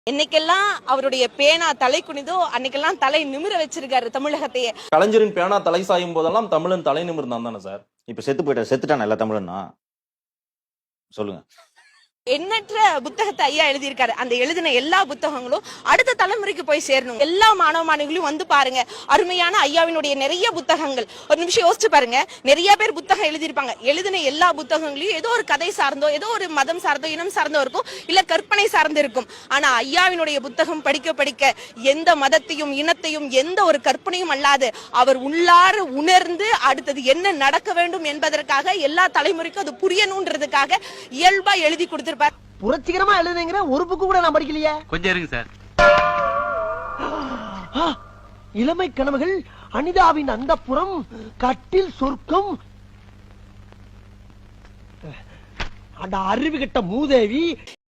என்னைக்கெல்லாம் அவருடைய பேனா தலை குனிதோ அன்னைக்கெல்லாம் தலை நிமிர வச்சிருக்காரு தமிழகத்தையே. கலைஞரின் பேனா தலை சாயும் போதெல்லாம் தமிழன் தலை நிமிர்ந்தான் தானே சார்? இப்ப செத்துட்டான எல்லா தமிழன்னா சொல்லுங்க. எண்ணற்ற புத்தகத்தை ஐயா எழுதியிருக்காரு. அந்த எழுதின எல்லா புத்தகங்களும் அடுத்த தலைமுறைக்கு போய் சேரணும். எல்லா மாணவ மாணவிகளையும் வந்து பாருங்க, அருமையான ஐயாவினுடைய நிறைய புத்தகங்கள். ஒரு நிமிஷம் யோசிச்சு பாருங்க, நிறைய பேர் புத்தகம் எழுதியிருப்பாங்க. எழுதின எல்லா புத்தகங்களையும் ஏதோ ஒரு கதை சார்ந்தோ, ஏதோ ஒரு மதம் சார்ந்தோ, இனம் சார்ந்தோ இருக்கும், இல்ல கற்பனை சார்ந்து இருக்கும். ஆனா ஐயாவினுடைய புத்தகம் படிக்க படிக்க எந்த மதத்தையும் இனத்தையும் எந்த ஒரு கற்பனையும் அல்லாது அவர் உள்ளார உணர்ந்து அடுத்தது என்ன நடக்க வேண்டும் என்பதற்காக எல்லா தலைமுறைக்கும் அது புரியணும்ன்றதுக்காக இயல்பா எழுதி கொடுத்து புரட்சிகரமா எழுதுங்கிற ஒரு புக்கு கூட நான் படிக்கலையே. கொஞ்சம் இருங்க சார். இளமை கனவுகள், அனிதாவின் அந்தப்புறம், கட்டில் சொர்க்கம், அட அறிவு கெட்ட மூதேவி.